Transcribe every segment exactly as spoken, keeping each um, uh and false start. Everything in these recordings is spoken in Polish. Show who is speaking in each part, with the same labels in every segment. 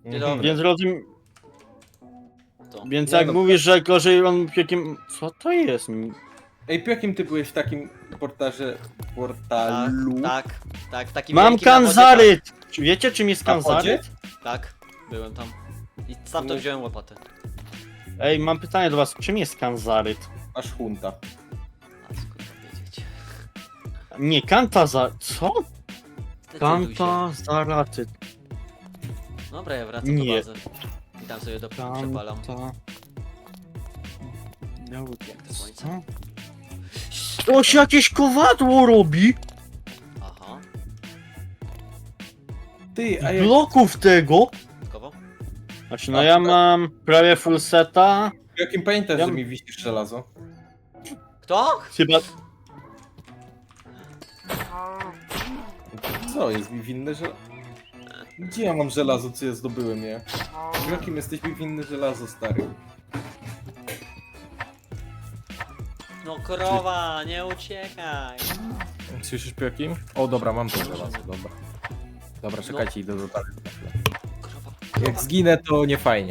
Speaker 1: Dzień dobry.
Speaker 2: Więc rozumiem.
Speaker 1: To.
Speaker 2: Więc
Speaker 3: Nie
Speaker 2: jak
Speaker 3: no,
Speaker 2: mówisz, że gorzej on jakim. Co to jest?
Speaker 3: Ej, po jakim ty byłeś w takim portarze...
Speaker 1: Tak,
Speaker 3: portalu?
Speaker 1: tak, tak, w takim
Speaker 2: Mam
Speaker 1: wielkim na wodzie,
Speaker 2: kanzaryt! Czy wiecie czym jest
Speaker 3: Na wodzie?
Speaker 2: kanzaryt?
Speaker 1: Tak, tak, byłem tam. I stamtąd
Speaker 3: No.
Speaker 1: wziąłem łopatę.
Speaker 2: Ej, mam pytanie do was, czym jest kanzaryt?
Speaker 3: Aż hunta.
Speaker 1: A skąd wiedzieć?
Speaker 2: Nie, kantazar... Co?
Speaker 1: Zdecyduj się.
Speaker 2: Kantazaraty.
Speaker 1: Dobra, ja wracam
Speaker 2: Nie.
Speaker 1: do bazy. I tam sobie do przepalam.
Speaker 2: Kanta...
Speaker 1: Jak to słońce?
Speaker 2: Co? To się jakieś kowadło robi?
Speaker 1: Aha,
Speaker 3: Ty, a jak...
Speaker 2: Bloków tego?
Speaker 1: gotowo?
Speaker 2: Znaczy, no
Speaker 3: A,
Speaker 2: ja
Speaker 3: tutaj-
Speaker 2: mam prawie full seta.
Speaker 3: Po jakim pamiętasz,
Speaker 2: Ja-
Speaker 3: że mi wisisz żelazo?
Speaker 1: Kto?
Speaker 2: Chyba...
Speaker 3: Co, jest mi winne żelazo? Gdzie ja mam żelazo, co ja zdobyłem je? W jakim jesteś mi winny żelazo, stary?
Speaker 1: No krowa, nie uciekaj.
Speaker 3: Słyszysz po jakim? O, dobra, mam to żelazo, dobra. Dobra, czekajcie, idę do dalej.
Speaker 1: Krowa,
Speaker 3: Jak
Speaker 1: krowa.
Speaker 3: zginę, to nie fajnie.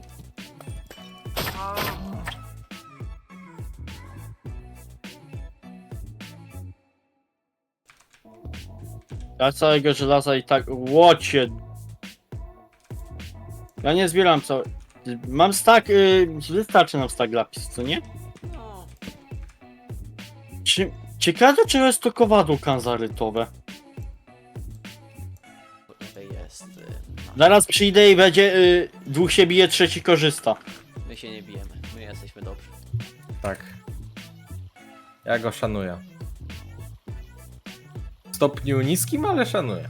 Speaker 2: Ja całego żelaza i tak... Łocie! Ja nie zbieram co... Mam stack... Yy, wystarczy nam stack lapis, co nie?
Speaker 1: No,
Speaker 2: Czy... Ciekawe, czy jest to kowadło kanzarytowe.
Speaker 1: tutaj jest... y, no.
Speaker 2: Zaraz przyjdę i będzie... Yy, dwóch się bije, trzeci korzysta.
Speaker 1: My się nie bijemy, my jesteśmy dobrzy.
Speaker 3: Tak. Ja go szanuję. W stopniu niskim, ale szanuję.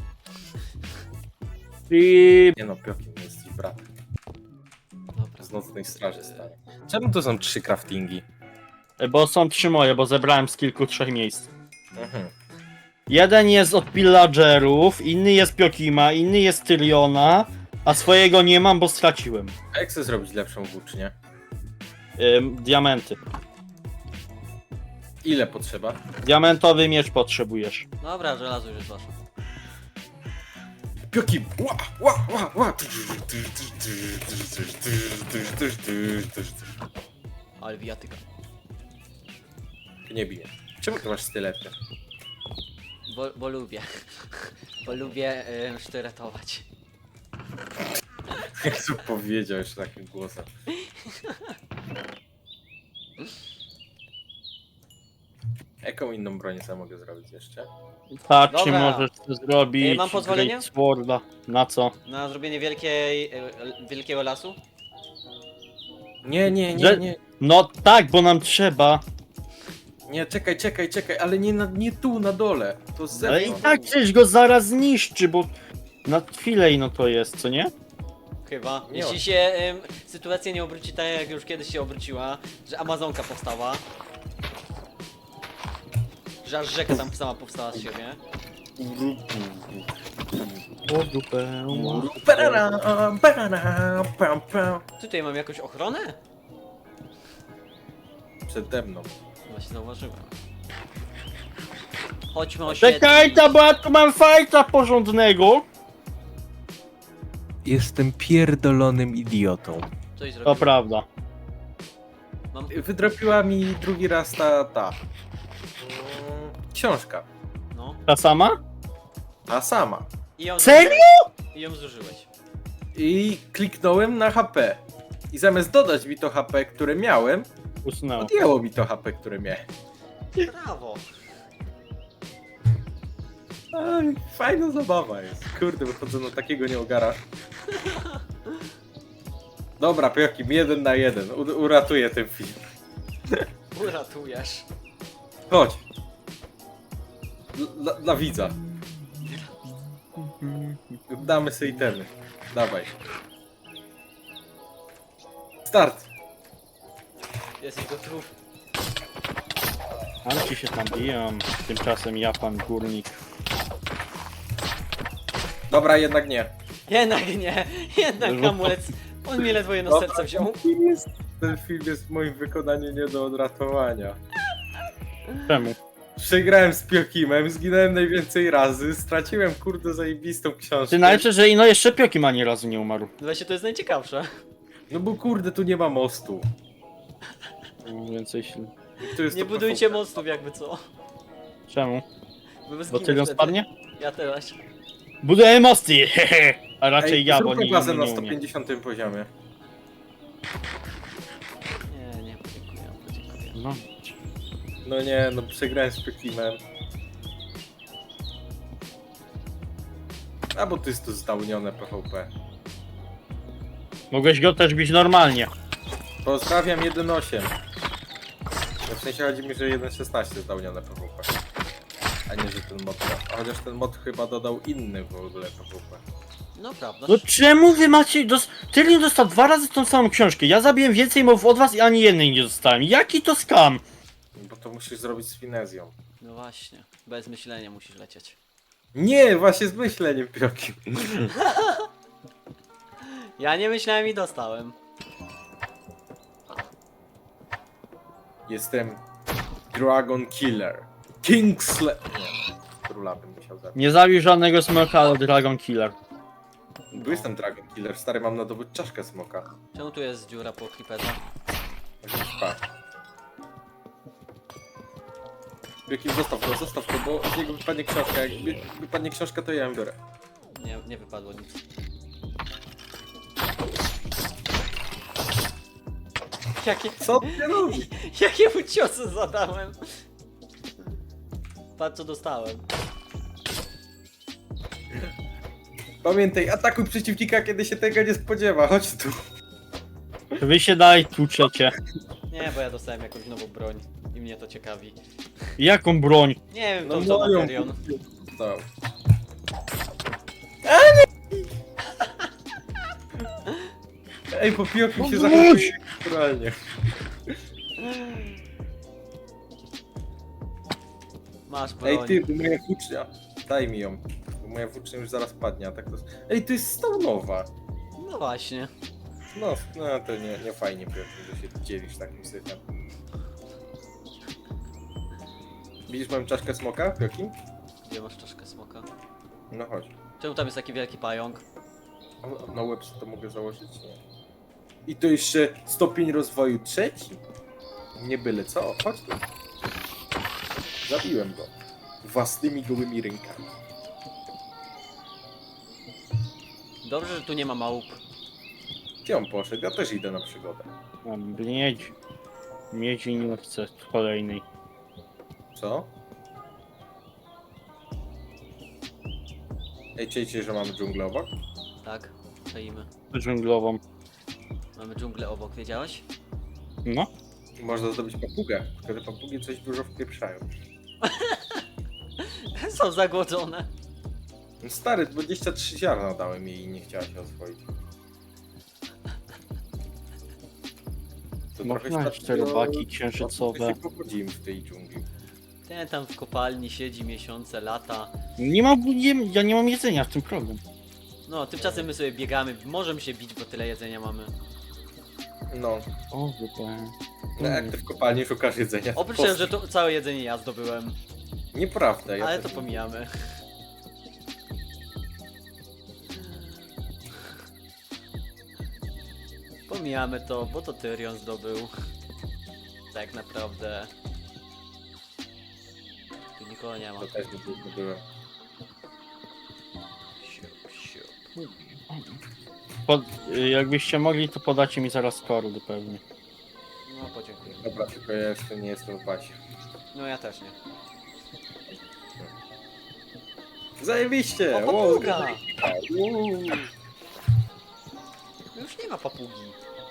Speaker 2: I...
Speaker 3: Nie no, Piokim, jesteś bratem.
Speaker 1: Dobra.
Speaker 3: Z nocnej straży stary. Czemu to są trzy craftingi?
Speaker 2: Bo są trzy moje, bo zebrałem z kilku, trzech miejsc.
Speaker 3: Mhm.
Speaker 2: Jeden jest od pillagerów, inny jest Piokima, inny jest Tyriona, a swojego nie mam, bo straciłem.
Speaker 3: A jak chcę zrobić lepszą włócznię?
Speaker 2: Ym, diamenty.
Speaker 3: Ile potrzeba?
Speaker 2: Diamentowy miecz potrzebujesz.
Speaker 1: Dobra, żelazo już jest wasze.
Speaker 3: Piokim! Ła, ła, ła, ła.
Speaker 1: Ale wijatyka.
Speaker 3: Ty nie bije. Czemu ty masz stylety?
Speaker 1: Bo, bo lubię. Bo lubię y, sztyretować.
Speaker 3: Jak to powiedział jeszcze takim głosem. Jaką inną broń sobie mogę zrobić jeszcze?
Speaker 2: Tak, czy
Speaker 1: Dobra.
Speaker 2: możesz to zrobić?
Speaker 1: Ej, mam pozwolenie?
Speaker 2: Great Sworda. Na co?
Speaker 1: Na zrobienie wielkiej, y, wielkiego lasu?
Speaker 3: Nie, nie, nie,
Speaker 2: Że-
Speaker 3: nie.
Speaker 2: No tak, bo nam trzeba.
Speaker 3: Nie, czekaj, czekaj, czekaj, ale nie, na, nie tu, na dole. To z
Speaker 2: Ale i
Speaker 3: zewnątrz.
Speaker 2: tak przecież go zaraz zniszczy, bo na chwilę ino to jest, co nie?
Speaker 1: Chyba.
Speaker 3: Nie
Speaker 1: Jeśli
Speaker 3: ma.
Speaker 1: się ym, sytuacja nie obróci tak, jak już kiedyś się obróciła, że Amazonka powstała. Że aż rzeka tam sama powstała z siebie.
Speaker 2: O dupę.
Speaker 3: Parara, parara, pam, pam.
Speaker 1: Tutaj mam jakąś ochronę?
Speaker 3: Przede mną.
Speaker 1: Właśnie zauważyłem. Chodźmy oświetlić.
Speaker 2: Czekaj, ta, bo ja tu mam fajta porządnego.
Speaker 3: Jestem pierdolonym idiotą.
Speaker 1: Coś
Speaker 2: To
Speaker 1: zrobiłem.
Speaker 2: prawda.
Speaker 1: Mam...
Speaker 3: Wydropiła mi drugi raz ta, ta. mm, Książka.
Speaker 1: No.
Speaker 2: Ta sama?
Speaker 3: Ta sama.
Speaker 1: I ją
Speaker 2: Serio?
Speaker 1: zużyłeś. I ją zużyłeś.
Speaker 3: I kliknąłem na H P. I zamiast dodać mi to H P, które miałem,
Speaker 2: Usunęło.
Speaker 3: odjęło mi to H P, które miałem.
Speaker 1: Brawo.
Speaker 3: Aj, fajna zabawa jest. Kurde, wychodzę na takiego nieogara. Dobra, Piokim, jeden na jeden. U uratuję ten film.
Speaker 1: Uratujesz.
Speaker 3: Chodź. Dla, dla widza. Damy sobie itemy. Dawaj. Start.
Speaker 1: Jesteś gotów.
Speaker 2: Ale ci się tam biją. Tymczasem ja pan górnik.
Speaker 3: Dobra, jednak nie.
Speaker 1: Jednak nie. Jednak
Speaker 2: No.
Speaker 1: hamulec. On mi ledwo jedno serce wziął.
Speaker 3: Ten film jest, ten film jest w moim wykonaniu nie do odratowania.
Speaker 2: Czemu?
Speaker 3: Przegrałem z Piokimem, zginąłem najwięcej razy, straciłem kurde zajebistą książkę.
Speaker 2: Ty najlepsze, że ino jeszcze Piokim ani razu nie umarł.
Speaker 1: Właśnie to jest najciekawsze.
Speaker 3: No bo kurde, tu nie ma mostu.
Speaker 2: Więcej się...
Speaker 3: Tu jest
Speaker 1: Nie
Speaker 3: to
Speaker 1: budujcie
Speaker 3: P V P.
Speaker 1: mostów jakby co.
Speaker 2: Czemu?
Speaker 1: Bo, wy
Speaker 2: Bo
Speaker 1: zginiesz
Speaker 2: Tyrion
Speaker 1: wtedy.
Speaker 2: spadnie?
Speaker 1: Ja teraz.
Speaker 2: Buduję mosty, hehe! A raczej
Speaker 3: Ej,
Speaker 2: ja, bo
Speaker 3: zróbmy
Speaker 2: nie,
Speaker 3: bazę
Speaker 2: nie,
Speaker 3: na
Speaker 2: nie umiem.
Speaker 3: sto pięćdziesiątym poziomie.
Speaker 1: Nie, nie, podziękuję, podziękuję.
Speaker 2: No.
Speaker 3: No nie, no przegrałem z Piokimem. A bo to jest to zdałnione P V P.
Speaker 2: Mogłeś go też bić normalnie.
Speaker 3: Pozdrawiam jeden osiem. No w sensie chodzi mi, że jeden szesnaście zdałnione P V P. A nie, że ten mod. A chociaż ten mod chyba dodał inny w ogóle P V P.
Speaker 1: No prawda.
Speaker 2: No czemu wy macie... Dos... Tyrion dostał dwa razy tą samą książkę. Ja zabiłem więcej mów od was i ani jednej nie dostałem. Jaki to skam?
Speaker 3: Bo to musisz zrobić z finezją.
Speaker 1: No właśnie. Bez myślenia musisz lecieć.
Speaker 3: Nie, właśnie z myśleniem Piokim.
Speaker 1: Ja nie myślałem i dostałem.
Speaker 3: Jestem Dragon Killer. Kingsle... Nie, króla bym musiał zabić.
Speaker 2: Nie zabił żadnego smoka, ale Dragon Killer.
Speaker 3: Bo jestem Dragon Killer, stary, mam nadobyć czaszkę smoka.
Speaker 1: Czemu tu jest dziura po creeperze?
Speaker 3: Pa. Piokim, zostaw go, zostaw go, bo z niego wypadnie książka. Jak wy- wypadnie książka, to ja ją biorę.
Speaker 1: Nie, nie wypadło nic. Jakie...
Speaker 3: Co ty robisz?
Speaker 1: Jakie mu ciosy zadałem? Patrz co dostałem.
Speaker 3: Pamiętaj, atakuj przeciwnika, kiedy się tego nie spodziewa. Chodź tu.
Speaker 2: Wy się dalej tłuczecie.
Speaker 1: Nie, bo ja dostałem jakąś nową broń. I mnie to ciekawi.
Speaker 2: Jaką broń?
Speaker 1: Nie wiem,
Speaker 3: No
Speaker 1: to co
Speaker 3: moją.
Speaker 1: Tyrion.
Speaker 3: No. Ej, po Piokim się
Speaker 2: No
Speaker 3: zachowuje naturalnie.
Speaker 1: Masz broń.
Speaker 3: Ej ty, bo moja włócznia. Daj mi ją. Bo moja włócznia już zaraz padnie, a tak to... Ej, to jest stonowa.
Speaker 1: No właśnie.
Speaker 3: No, no to nie, nie fajnie Piokim, że się dzielisz takim syfem. Widzisz moją czaszkę smoka, Piokim?
Speaker 1: Gdzie masz czaszkę smoka?
Speaker 3: No chodź.
Speaker 1: Czemu tam jest taki wielki pająk?
Speaker 3: A na łeb to mogę założyć? Nie. I to jeszcze stopień rozwoju trzeci? Nie byle co, chodź tu. Zabiłem go. Własnymi gołymi rękami.
Speaker 1: Dobrze, że tu nie ma małp.
Speaker 3: Gdzie on poszedł? Ja też idę na przygodę.
Speaker 2: Mam miedź. Miedzi nie chcę kolejnej.
Speaker 3: Co? Ej, czujecie, że mamy dżunglę obok?
Speaker 1: Tak, stoimy.
Speaker 2: Dżunglową.
Speaker 1: Mamy dżunglę obok, wiedziałeś?
Speaker 2: No.
Speaker 3: Można zdobyć papugę, tylko te papugi coś dużo wpieprzają.
Speaker 1: Są zagłodzone.
Speaker 3: No stary, dwadzieścia trzy ziarna dałem jej i nie chciała się oswoić. To
Speaker 2: Można
Speaker 3: świadczy
Speaker 2: te
Speaker 3: o-
Speaker 2: robaki
Speaker 3: o tym,
Speaker 2: księżycowe.
Speaker 3: że się pogodzimy w tej dżungli.
Speaker 1: Ten tam w kopalni siedzi miesiące, lata.
Speaker 2: Nie mam, nie, ja nie mam jedzenia, w tym problem.
Speaker 1: No, tymczasem my sobie biegamy, możemy się bić, bo tyle jedzenia mamy.
Speaker 3: No,
Speaker 2: O, wypałem.
Speaker 3: no jak ty w kopalni szukasz jedzenia? to
Speaker 1: Oprócz
Speaker 3: po-
Speaker 1: tego, że to całe jedzenie ja zdobyłem.
Speaker 3: Nieprawda, ja
Speaker 1: Ale
Speaker 3: też
Speaker 1: to
Speaker 3: nie-
Speaker 1: pomijamy. Pomijamy to, bo to Tyrion zdobył. Tak naprawdę. Tu nikogo nie ma.
Speaker 3: To też nie byłem.
Speaker 1: Siup, siup.
Speaker 2: Pod, y, jakbyście mogli, to podacie mi zaraz kordy pewnie.
Speaker 1: No, podziękuję.
Speaker 3: Dobra, tylko ja jeszcze nie jestem w bazie.
Speaker 1: No, ja też nie.
Speaker 3: Zajebiście!
Speaker 1: O,
Speaker 3: Wow,
Speaker 1: papuga!
Speaker 3: Uuu.
Speaker 1: Już nie ma papugi.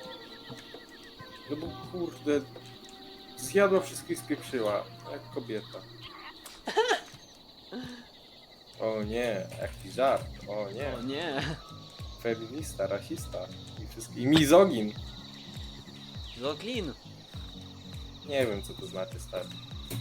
Speaker 3: No bo kurde, zjadła wszystko i spieprzyła, jak kobieta. O nie, jaki żart, o nie,
Speaker 1: O nie.
Speaker 3: feminista, rasista i wszystko. I mizogin.
Speaker 1: Zoglin.
Speaker 3: Nie wiem co to znaczy, stary.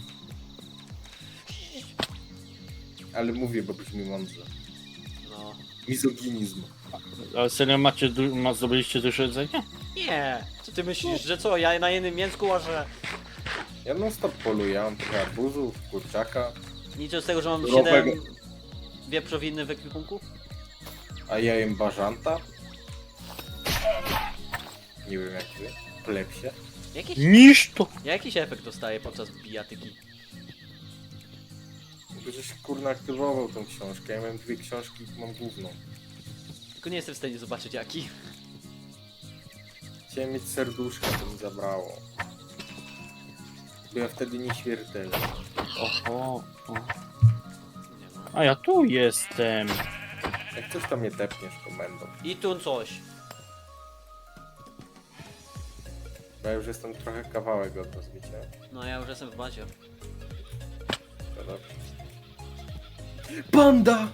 Speaker 3: Ale mówię, bo brzmi mądrze.
Speaker 1: No.
Speaker 3: Mizoginizm.
Speaker 2: Ale serio macie, du- ma, zdobyliście dużo jedzenia?
Speaker 1: Nie. Co ty myślisz, że co? Ja na jednym mięsku łażę.
Speaker 3: Ja non stop poluję, mam trochę arbuzów, kurczaka,
Speaker 1: Nic z tego, że mam
Speaker 3: Surowego.
Speaker 1: siedem wieprzowiny w ekwipunku?
Speaker 3: a ja jem bażanta. Nie wiem jak wy, plepsie.
Speaker 1: Jakiś,
Speaker 2: Niż to!
Speaker 1: ja jakiś efekt dostaję podczas bijatyki.
Speaker 3: Żeś kurna aktywował tą książkę, ja miałem dwie książki, mam główną.
Speaker 1: Tylko nie jestem w stanie zobaczyć jaki.
Speaker 3: Chciałem mieć serduszka, to mi zabrało. Bo ja wtedy nieśmiertelny.
Speaker 2: Oho. O.
Speaker 1: Nie ma.
Speaker 2: A ja tu jestem.
Speaker 3: Jak coś tam mnie tepniesz komendą.
Speaker 1: I tu coś.
Speaker 3: Bo ja już jestem trochę kawałek od was, wiecie?
Speaker 1: No ja już jestem w bazie.
Speaker 3: To dobrze. Panda!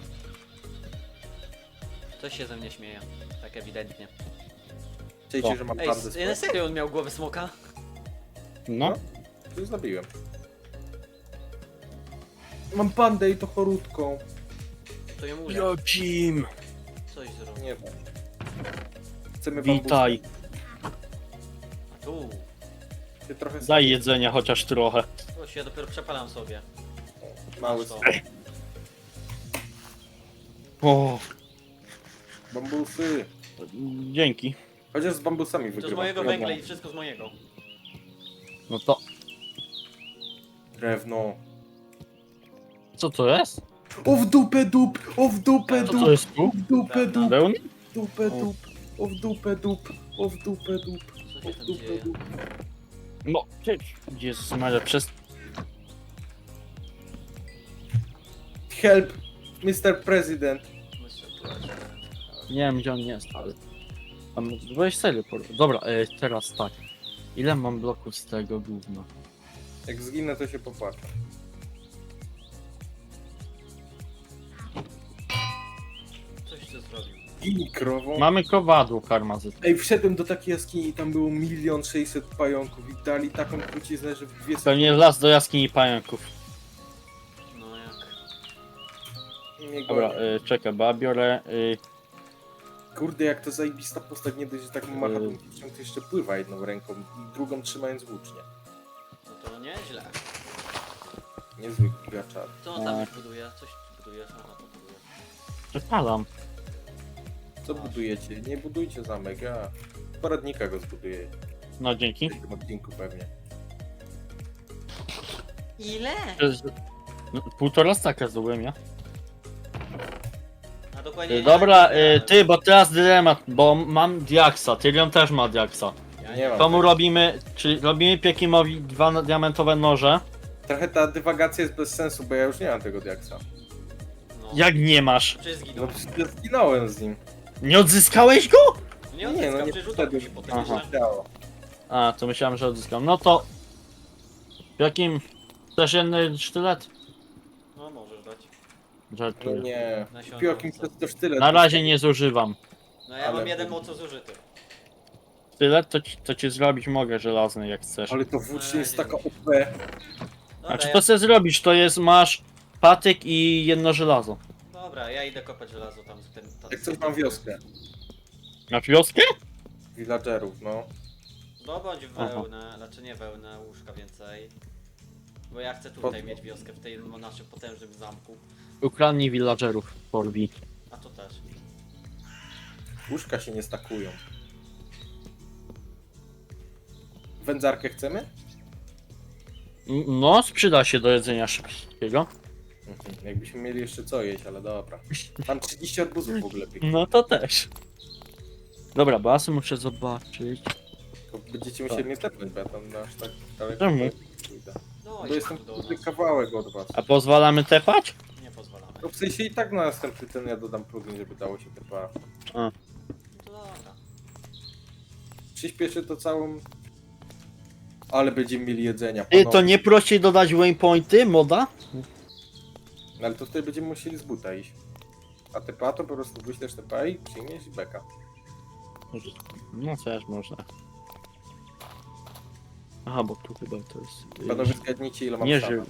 Speaker 1: Coś się ze mnie śmieje. Tak ewidentnie.
Speaker 3: Czujcie,
Speaker 2: O.
Speaker 3: że mam
Speaker 1: Ej,
Speaker 3: pandę
Speaker 1: s-
Speaker 3: swoją?
Speaker 1: na serio on miał głowę smoka?
Speaker 2: No.
Speaker 3: To już zabiłem. Mam pandę i to chorutką.
Speaker 1: To ją uda.
Speaker 2: Jodzim.
Speaker 1: Coś zrobił.
Speaker 3: Nie wiem. Chcemy
Speaker 2: Witaj.
Speaker 1: A tu.
Speaker 3: bambusy. Się trochę
Speaker 2: Daj jedzenia chociaż trochę.
Speaker 1: To się ja dopiero przepalam sobie.
Speaker 3: mały
Speaker 1: Masz to.
Speaker 2: O,
Speaker 3: bambusy.
Speaker 2: dzięki.
Speaker 3: Chociaż z bambusami
Speaker 1: To z
Speaker 3: wygrywam.
Speaker 1: mojego
Speaker 3: Drewno.
Speaker 1: węgla i wszystko z mojego.
Speaker 2: No to,
Speaker 3: Drewno.
Speaker 2: co to jest?
Speaker 3: O w dupę dup! O w dupę
Speaker 2: Co
Speaker 3: dup!
Speaker 2: to jest tu?
Speaker 3: O w dupę dup!
Speaker 2: Pełny?
Speaker 3: Dupę dup! O w dupę dup! O w dupę dup!
Speaker 1: Co
Speaker 3: O
Speaker 1: się
Speaker 3: w
Speaker 1: tam
Speaker 3: dupę
Speaker 1: dzieje?
Speaker 3: dup!
Speaker 2: No, Jezus Maria, przez...
Speaker 3: Help! mister President!
Speaker 2: Nie wiem gdzie on jest, ale... Tam weź serio, por- dobra, e, teraz tak. Ile mam bloków z tego gówna?
Speaker 3: Jak zginę, to się popłaczę.
Speaker 1: Coś ty zrobił.
Speaker 3: I krową.
Speaker 2: Mamy kowadło karmazyt.
Speaker 3: Ej, wszedłem do takiej jaskini i tam było milion sześćset pająków i dali taką truciznę, że w dwie sekundy...
Speaker 2: Pewnie las do jaskini pająków.
Speaker 1: No jak?
Speaker 3: mnie
Speaker 2: Dobra,
Speaker 3: gonią.
Speaker 2: e, czekaj, bo ja biorę... E,
Speaker 3: Kurde, jak to zajebista postać, nie dość, że tak macha
Speaker 2: Yy.
Speaker 3: tą piłką, to jeszcze pływa jedną ręką i drugą trzymając włócznie.
Speaker 1: No to nieźle.
Speaker 3: Niezły gigaczar.
Speaker 1: Co on tam
Speaker 2: Tak.
Speaker 1: już buduje? Coś budujesz? Aha, to buduje.
Speaker 2: przepalam.
Speaker 3: Co budujecie? Nie budujcie zamek, ja poradnika go zbuduję.
Speaker 2: No dzięki.
Speaker 3: W tym odcinku pewnie.
Speaker 1: Ile?
Speaker 2: To jest- No, półtora staka zdobyłem ja.
Speaker 1: A dokładnie...
Speaker 2: E, dobra,
Speaker 1: ja-
Speaker 2: e, ty, bo teraz dylemat, bo mam diaksa, Tyrion też ma diaksa.
Speaker 1: Ja
Speaker 3: Nie mam.
Speaker 2: Komu robimy, czyli robimy Piekimowi dwa diamentowe noże?
Speaker 3: Trochę ta dywagacja jest bez sensu, bo ja już nie mam tego diaksa.
Speaker 1: No.
Speaker 2: Jak nie masz?
Speaker 1: Przecież
Speaker 3: No
Speaker 1: zginął.
Speaker 3: przecież ja zginąłem z nim.
Speaker 2: Nie odzyskałeś go?
Speaker 1: Nie
Speaker 3: Nie,
Speaker 1: odzyskał,
Speaker 3: no nie
Speaker 1: przecież utopił się
Speaker 3: wszedłem.
Speaker 1: potem
Speaker 2: Aha.
Speaker 1: jeszcze.
Speaker 3: Działo.
Speaker 2: A, to myślałem, że odzyskam. No to... Jakim... Chcesz jeden sztylet?
Speaker 1: No możesz dać.
Speaker 3: No
Speaker 2: Żartuję.
Speaker 3: nie.
Speaker 1: Nasionowca.
Speaker 3: Piokim to jest też tyle.
Speaker 2: Na razie nie zużywam.
Speaker 1: No ja
Speaker 3: Ale-
Speaker 1: mam jeden moco zużyty.
Speaker 2: Sztylet to, ci- to ci zrobić mogę żelazny jak chcesz.
Speaker 3: Ale to włócznie jest taka O P.
Speaker 1: Dobra,
Speaker 2: A czy
Speaker 1: ja...
Speaker 2: to chcesz zrobić? To jest, masz patyk i jedno żelazo.
Speaker 1: Dobra, ja idę kopać żelazo tam z tym... tam-
Speaker 3: Jak coś mam wioskę.
Speaker 2: Masz wioskę?
Speaker 3: Villagerów, no.
Speaker 1: Zdobądź
Speaker 2: Aha.
Speaker 1: wełnę, znaczy nie wełnę, łóżka więcej. Bo ja chcę tutaj
Speaker 3: Po-
Speaker 1: mieć wioskę w tej naszym potężnym zamku.
Speaker 2: Ukradnij villagerów, Forbi.
Speaker 1: A to też.
Speaker 3: Łóżka się nie stakują. Wędzarkę chcemy?
Speaker 2: No, przyda się do jedzenia szybkiego.
Speaker 3: Mhm. Jakbyśmy mieli jeszcze co jeść, ale dobra. Mam trzydzieści arbuzów w ogóle pięknie.
Speaker 2: No to też. Dobra, bo ja sobie muszę zobaczyć.
Speaker 3: To będziecie musieli mnie tepnąć, bo ja tam na aż tak daleko
Speaker 2: Czemu?
Speaker 3: nie pójdę.
Speaker 1: No
Speaker 3: Bo
Speaker 1: i
Speaker 3: jestem
Speaker 1: tu do
Speaker 3: tutaj
Speaker 1: nas.
Speaker 3: kawałek od was.
Speaker 2: A pozwalamy tepać?
Speaker 1: Nie pozwalamy.
Speaker 3: No w sensie i tak na następny ten ja dodam plugin, żeby dało się tepa.
Speaker 1: No to dobra.
Speaker 3: Przyspieszy to całą... Ale będziemy mieli jedzenia,
Speaker 2: Ty, to
Speaker 3: panowie.
Speaker 2: nie prościej dodać waypointy, moda?
Speaker 3: No ale to wtedy będziemy musieli z buta iść. A tepa to po prostu wyślesz tepa i przyjmiesz i beka.
Speaker 2: No też można. Aha, bo tu chyba to jest...
Speaker 3: Panowie zgadnijcie ile mam
Speaker 2: Nie,
Speaker 3: sama.
Speaker 2: że...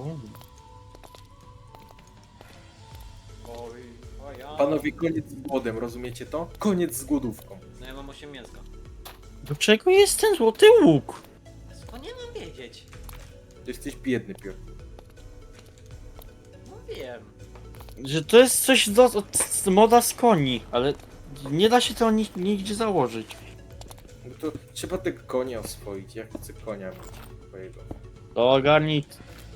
Speaker 1: Oj, oj, ja.
Speaker 3: Panowie, koniec z głodem, rozumiecie to? Koniec z głodówką.
Speaker 1: No ja mam osiem mięska.
Speaker 2: Do czego jest ten złoty łuk?
Speaker 1: Skąd nie mam wiedzieć?
Speaker 3: Jesteś biedny, Piotr.
Speaker 1: No wiem.
Speaker 2: Że to jest coś do, z moda z koni, ale nie da się to ni, nigdzie założyć.
Speaker 3: No to trzeba tego konia oswoić. Ja chcę konia mieć twojego.
Speaker 2: To ogarnij.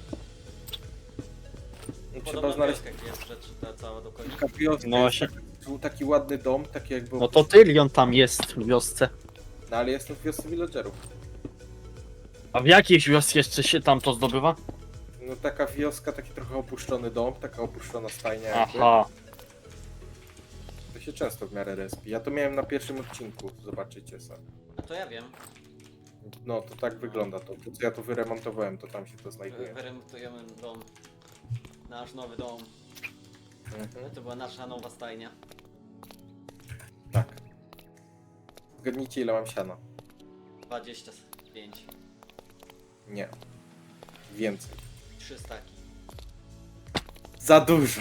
Speaker 3: No, trzeba
Speaker 1: Podobna
Speaker 3: znaleźć
Speaker 1: wioska, gdzie jest rzecz ta cała do końca.
Speaker 3: taka wioska.
Speaker 2: No
Speaker 3: No
Speaker 2: właśnie.
Speaker 3: Był taki ładny dom, taki jakby...
Speaker 2: No to Tyrion tam jest w wiosce.
Speaker 3: No ale jestem w wiosce villagerów.
Speaker 2: A w jakiejś wiosce jeszcze się tam to zdobywa?
Speaker 3: No taka wioska, taki trochę opuszczony dom, taka opuszczona stajnia jakby.
Speaker 2: Aha.
Speaker 3: To się często w miarę respi. Ja to miałem na pierwszym odcinku, zobaczycie sobie.
Speaker 1: No to ja wiem.
Speaker 3: No to tak wygląda to. To co ja to wyremontowałem, to tam się to
Speaker 1: Wy-
Speaker 3: znajduje.
Speaker 1: Wyremontujemy dom. Nasz nowy dom.
Speaker 3: Mhm.
Speaker 1: To była nasza nowa stajnia.
Speaker 3: Tak. Zgadnijcie ile mam siana.
Speaker 1: dwadzieścia pięć.
Speaker 3: Nie. Więcej.
Speaker 1: trzy staki.
Speaker 3: Za dużo.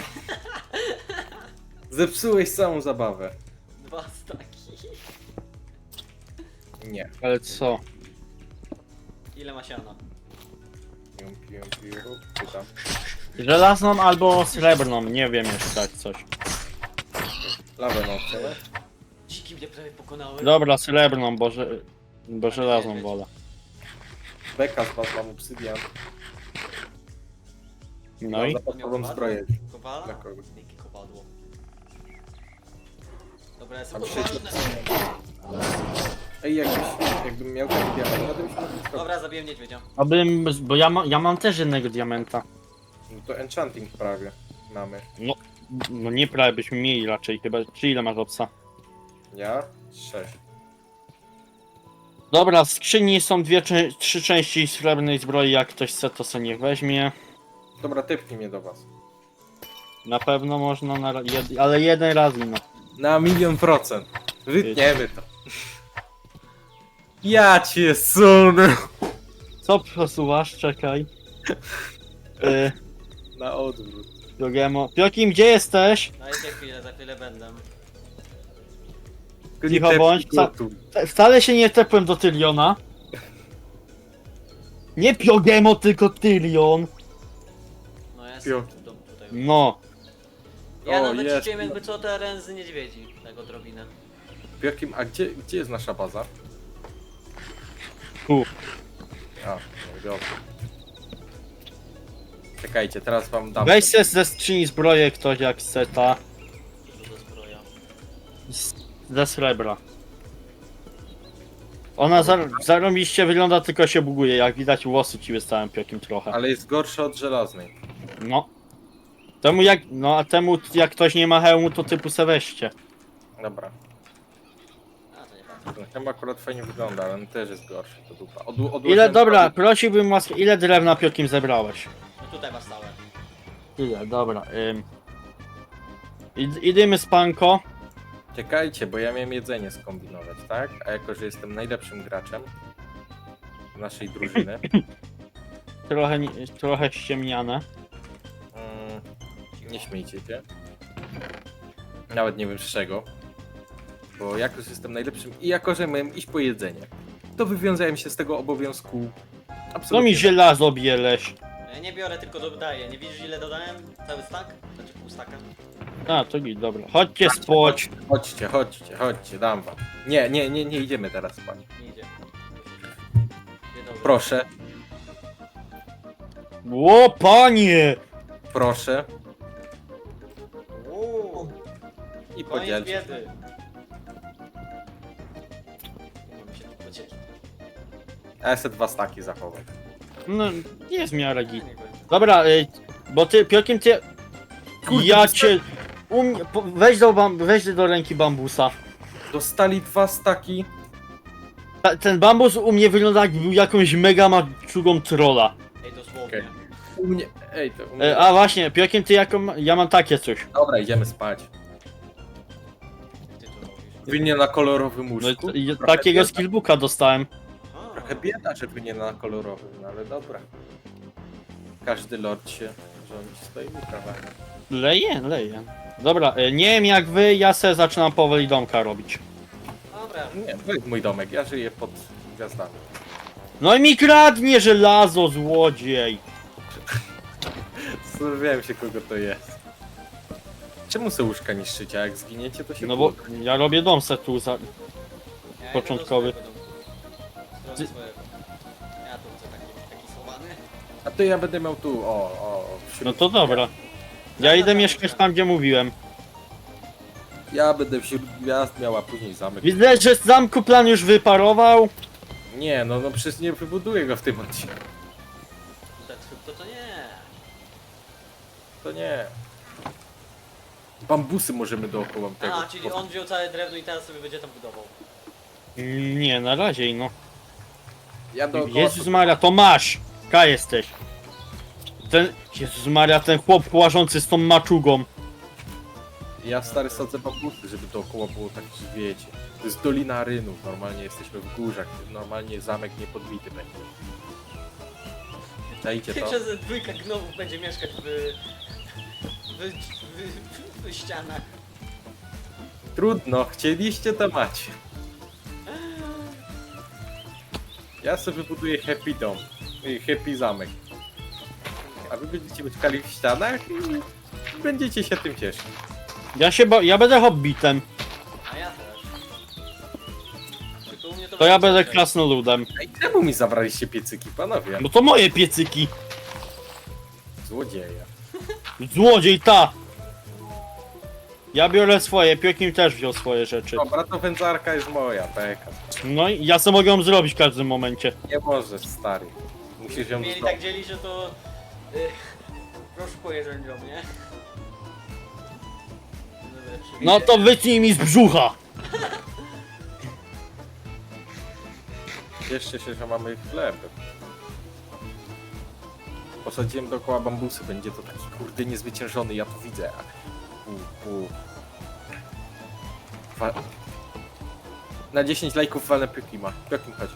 Speaker 3: Zepsułeś całą zabawę.
Speaker 1: Dwa staki.
Speaker 3: Nie.
Speaker 2: Ale co?
Speaker 1: Ile ma siana?
Speaker 3: Pium, pium, pium. Pytam.
Speaker 2: Żelazną albo srebrną, nie wiem jeszcze jak coś.
Speaker 3: Lawę no chcemy?
Speaker 1: Dziki mnie prawie pokonały.
Speaker 2: Dobra, srebrną, bo, że, bo żelazną wolę.
Speaker 3: Beka z was mam obsydian.
Speaker 2: No
Speaker 3: Mam
Speaker 2: i?
Speaker 3: zapaskową zbroję.
Speaker 1: Kowala?
Speaker 3: Dla kogo?
Speaker 1: Jakie kowadło? Dobra, jestem
Speaker 3: Mam
Speaker 1: poważny.
Speaker 3: Ej, jakiś, jakbym miał taki diament, to bym się mógł zrobić.
Speaker 1: Dobra, zabiłem niedźwiedzia.
Speaker 2: Abym, bo ja, ma, ja mam też jednego diamenta.
Speaker 3: No to enchanting prawie mamy.
Speaker 2: No, no nie prawie byśmy mieli raczej chyba. Czy ile masz obsa?
Speaker 3: Ja? Sześć.
Speaker 2: Dobra, w skrzyni są dwie, cze- trzy części srebrnej zbroi, jak ktoś chce to sobie niech weźmie.
Speaker 3: Dobra, typnij mnie do was.
Speaker 2: Na pewno można, na, ra- jed, ale jeden raz no.
Speaker 3: Na milion procent. Wytniemy to. Ja cię sunę.
Speaker 2: Co przesuwasz? Czekaj. Yy,
Speaker 3: Na odwrót.
Speaker 2: Jogemo. Piokim, gdzie jesteś?
Speaker 1: Dajcie chwilę, za chwilę będę.
Speaker 3: Tylko
Speaker 2: Cicho
Speaker 3: nie tepnij
Speaker 2: bądź,
Speaker 3: go
Speaker 2: ca-
Speaker 3: tu.
Speaker 2: Te- Wcale się nie tepłem do Tyriona. Nie Piogemo, tylko Tyrion.
Speaker 1: No ja
Speaker 3: Pio.
Speaker 1: jestem tu, tutaj.
Speaker 2: No.
Speaker 1: Ja
Speaker 3: O,
Speaker 1: nawet
Speaker 3: jest.
Speaker 1: ci wiem jakby co teren z niedźwiedzi. Tak odrobinę.
Speaker 3: Piokim, a gdzie, gdzie jest nasza baza?
Speaker 2: Tu.
Speaker 3: A, no i dobrze. Czekajcie, teraz wam dam.
Speaker 2: Weź se ze skrzyni zbroję ktoś jak chce ta.
Speaker 1: Dużo do zbroja.
Speaker 2: z- Ze srebra. Ona zar zarobiście wygląda, tylko się buguje. Jak widać, włosy ci wystałem Piokim trochę.
Speaker 3: Ale jest gorsza od żelaznej.
Speaker 2: No. Temu jak, no a temu jak ktoś nie ma hełmu, to typu se weźcie.
Speaker 3: Dobra.
Speaker 1: A, to nie ważne.
Speaker 3: Ten chyba akurat fajnie wygląda, ale on też jest gorszy, to dupa. Od, odłożyłem
Speaker 2: Ile, dobra,
Speaker 3: sobie-
Speaker 2: prosiłbym was, ile drewna Piokim zebrałeś?
Speaker 1: No tutaj masz stałe.
Speaker 2: Ile, dobra. Ym. Id idziemy z panko.
Speaker 3: Czekajcie, bo ja miałem jedzenie skombinować, tak? A jako, że jestem najlepszym graczem naszej drużyny,
Speaker 2: Trochę, nie- trochę ściemniane.
Speaker 3: mm, nie śmiejcie się. Nawet nie wiem z czego. Bo jako, że jestem najlepszym i jako, że miałem iść po jedzenie, to wywiązałem się z tego obowiązku
Speaker 2: Co
Speaker 3: absolutnie.
Speaker 2: mi żelazo bieleś?
Speaker 1: Ja nie biorę, tylko dodaję. Nie widzisz ile dodałem? Cały stack? Znaczy pół staka?
Speaker 2: A, to git, dobra. Chodźcie spać.
Speaker 3: Chodźcie, chodźcie, chodźcie, dam wam. Nie, nie, nie, nie idziemy teraz spać.
Speaker 1: Nie idzie. Dzień dobry.
Speaker 3: Proszę,
Speaker 2: O, panie!
Speaker 3: proszę
Speaker 1: Uuu,
Speaker 3: i
Speaker 1: koniec
Speaker 3: podzielcie.
Speaker 1: biedy. Nie mam się tu podzielić.
Speaker 3: A ja se dwa staki zachowam.
Speaker 2: No, jest w miarę git.
Speaker 1: Nie będzie.
Speaker 2: Dobra, y, bo ty, Piokim, ty...
Speaker 3: Kurde,
Speaker 2: Ja
Speaker 3: dosta-
Speaker 2: cię... U mnie, po, weź, do bam, weź do ręki bambusa.
Speaker 3: Dostali dwa staki.
Speaker 2: Ta, ten bambus u mnie wygląda jak był jakąś mega maczugą trolla.
Speaker 1: Ej, dosłownie.
Speaker 3: Okej. U mnie, ej, to u mnie.
Speaker 2: E, a właśnie, Piokim, ty jaką... Ja mam takie coś.
Speaker 3: Dobra, idziemy spać.
Speaker 1: Ty to robisz.
Speaker 3: Wy nie na kolorowym
Speaker 2: No, i,
Speaker 3: łóżku?
Speaker 2: i,
Speaker 3: Trochę
Speaker 2: takiego
Speaker 3: bieda.
Speaker 2: skillbooka dostałem.
Speaker 1: Aha.
Speaker 3: Trochę bieda, że wy nie na kolorowym, no ale dobra. Każdy lord się rządzi swoimi prawami.
Speaker 2: Leje, leje. Dobra, e, nie wiem jak wy, ja se zaczynam powoli domka robić.
Speaker 1: Dobra.
Speaker 3: Nie, to jest mój domek, ja żyję pod gwiazdami.
Speaker 2: No i mi kradnie żelazo, złodziej!
Speaker 3: Zastanawiałem się, kogo to jest. Czemu se łóżka niszczycie, a jak zginiecie, to się
Speaker 2: No bo
Speaker 3: płotnie.
Speaker 2: ja robię dom se tu za...
Speaker 1: Ja idę do
Speaker 2: Początkowy.
Speaker 1: swojego domku. Zrobię
Speaker 2: Ty-
Speaker 1: swojego. Ja tu chcę taki, taki schowany.
Speaker 3: A to ja będę miał tu, o, o, wśród...
Speaker 2: No to dobra. Ja idę mieszkać tam, gdzie mówiłem.
Speaker 3: Ja będę wśród gwiazd miał, a później zamek.
Speaker 2: Widzę, że z zamku plan już wyparował.
Speaker 3: Nie, no, no przecież nie wybuduję go w tym odcinku.
Speaker 1: To, to, to nie.
Speaker 3: To nie. Bambusy możemy dookoła tego.
Speaker 1: A, czyli on wziął całe drewno i teraz sobie będzie tam budował.
Speaker 2: Nie, na razie no.
Speaker 3: Ja dookoła...
Speaker 2: Jezus Maria, to masz! Ka jesteś. Ten... Jezus Maria, ten chłop łażący z tą maczugą.
Speaker 3: Ja stary sadzę bambusy, żeby dookoła było tak, że wiecie. To jest Dolina Rynów, normalnie jesteśmy w górzach, normalnie zamek niepodbity będzie. Dajcie to.
Speaker 1: Przez dwójka gnowów będzie mieszkać w... w, w, w, w ścianach.
Speaker 3: Trudno, chcieliście to macie. Ja sobie wybuduję happy dom, y, happy zamek. A wy będziecie mieszkali w ścianach i będziecie się tym cieszyć.
Speaker 2: Ja się ba... ja będę hobbitem.
Speaker 1: A ja też. Tylko u mnie to
Speaker 2: To ja
Speaker 1: będzie
Speaker 2: będę
Speaker 1: ciężej.
Speaker 2: krasnoludem.
Speaker 3: Ej, czemu mi zabraliście piecyki, panowie?
Speaker 2: Bo to moje piecyki.
Speaker 3: Złodzieja.
Speaker 2: Złodziej ta! Ja biorę swoje, Piokim też wziął swoje rzeczy.
Speaker 3: Dobra, to wędzarka jest moja, peka.
Speaker 2: No i ja sobie mogę ją zrobić w każdym momencie.
Speaker 3: Nie możesz, stary. Musisz ją
Speaker 1: Mieli
Speaker 3: zdobyć.
Speaker 1: tak dzielić, że to... Y, rozszukuję rzędzią, nie? Dobra,
Speaker 2: No to wytnij mi z brzucha!
Speaker 3: Cieszcie się, że mamy chleb. Posadziłem dookoła bambusy, będzie to taki kurde niezwyciężony, ja to widzę. U, u. Wa- Na dziesięć lajków walę Pekima. Pekim chodź.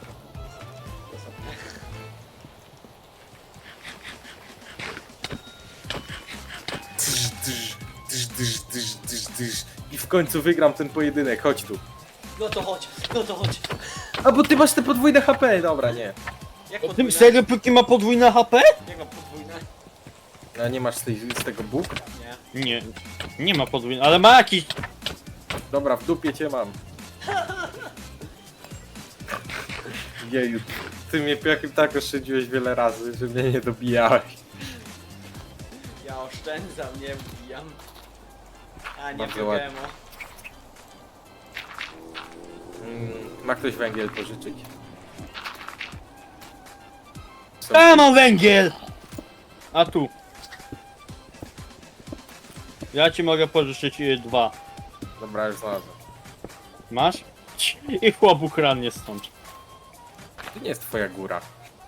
Speaker 3: Dyż, dyż, dyż, dyż, dyż, dyż, dyż. I w końcu wygram ten pojedynek, chodź tu.
Speaker 1: No to chodź, no to chodź.
Speaker 3: A bo ty masz te podwójne H P, dobra, nie.
Speaker 1: Jak
Speaker 2: Tym
Speaker 1: podwójne?
Speaker 2: serio Piokim ma podwójne H P?
Speaker 1: Jak mam podwójne?
Speaker 3: A nie masz z, tej, z tego bóg?
Speaker 1: Nie.
Speaker 2: Nie, nie ma podwójne, ale ma jakiś...
Speaker 3: Dobra, w dupie cię mam. Jeju, ty mnie jakim tak oszczędziłeś wiele razy, że mnie nie dobijałeś.
Speaker 1: Ja oszczędzam, nie wbijam. A nie
Speaker 3: Bardzo ładnie.
Speaker 1: Pokemo.
Speaker 3: Mm, ma ktoś węgiel pożyczyć? Co?
Speaker 2: A, mam węgiel! A tu. Ja ci mogę pożyczyć y, dwa.
Speaker 3: Dobra, już znalazłem.
Speaker 2: Masz? I chłop ukradnie stąd.
Speaker 3: To nie jest twoja góra.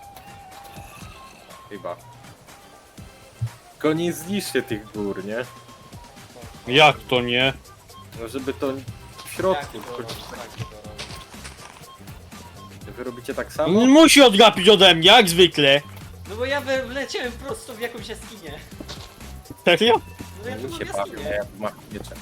Speaker 3: Chyba. Tylko nie zniszcie tych gór, nie?
Speaker 2: Jak to nie?
Speaker 3: No żeby to w
Speaker 1: Jak
Speaker 3: środku.
Speaker 1: to robisz? Tak to robisz.
Speaker 3: Wy robicie tak samo?
Speaker 2: Musi odgapić ode mnie, jak zwykle.
Speaker 1: No bo ja we- wleciałem prosto w jakąś jaskinię.
Speaker 2: Serio?
Speaker 1: No ja tu
Speaker 3: Mi
Speaker 1: mam
Speaker 3: się bawię,
Speaker 1: jaskinię.
Speaker 3: ja tu mam mieczem.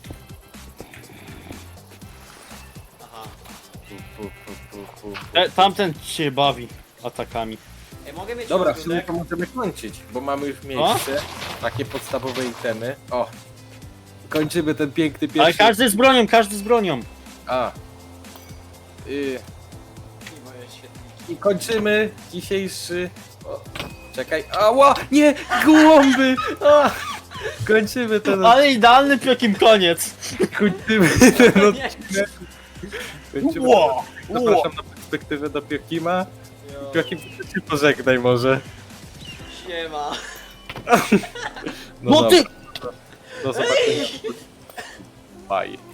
Speaker 1: Aha.
Speaker 3: Pu, pu, pu, pu, pu, pu.
Speaker 2: E, tamten się bawi atakami.
Speaker 1: Ej, mogę mieć
Speaker 3: Dobra, w sumie
Speaker 1: rozgrudek?
Speaker 3: to możemy kończyć, bo mamy już miejsce, takie podstawowe itemy. O! Kończymy ten piękny pierwszy...
Speaker 2: Ale każdy z bronią, każdy z bronią.
Speaker 3: A. Y,
Speaker 1: I moje świetniki.
Speaker 3: I kończymy dzisiejszy... O, czekaj, ała! Nie! Gołąby! A! Kończymy ten...
Speaker 2: Ale idealny Piokim koniec.
Speaker 3: Kończymy ten
Speaker 1: Nie.
Speaker 3: odcinek. Kończymy
Speaker 2: Ło,
Speaker 3: ten... Zapraszam na perspektywę do Piokima.
Speaker 1: Jo,
Speaker 3: Piokim, ty się pożegnaj może.
Speaker 1: siema.
Speaker 2: No
Speaker 3: dobra,
Speaker 2: ty!
Speaker 3: Do zobaczenia. Bye.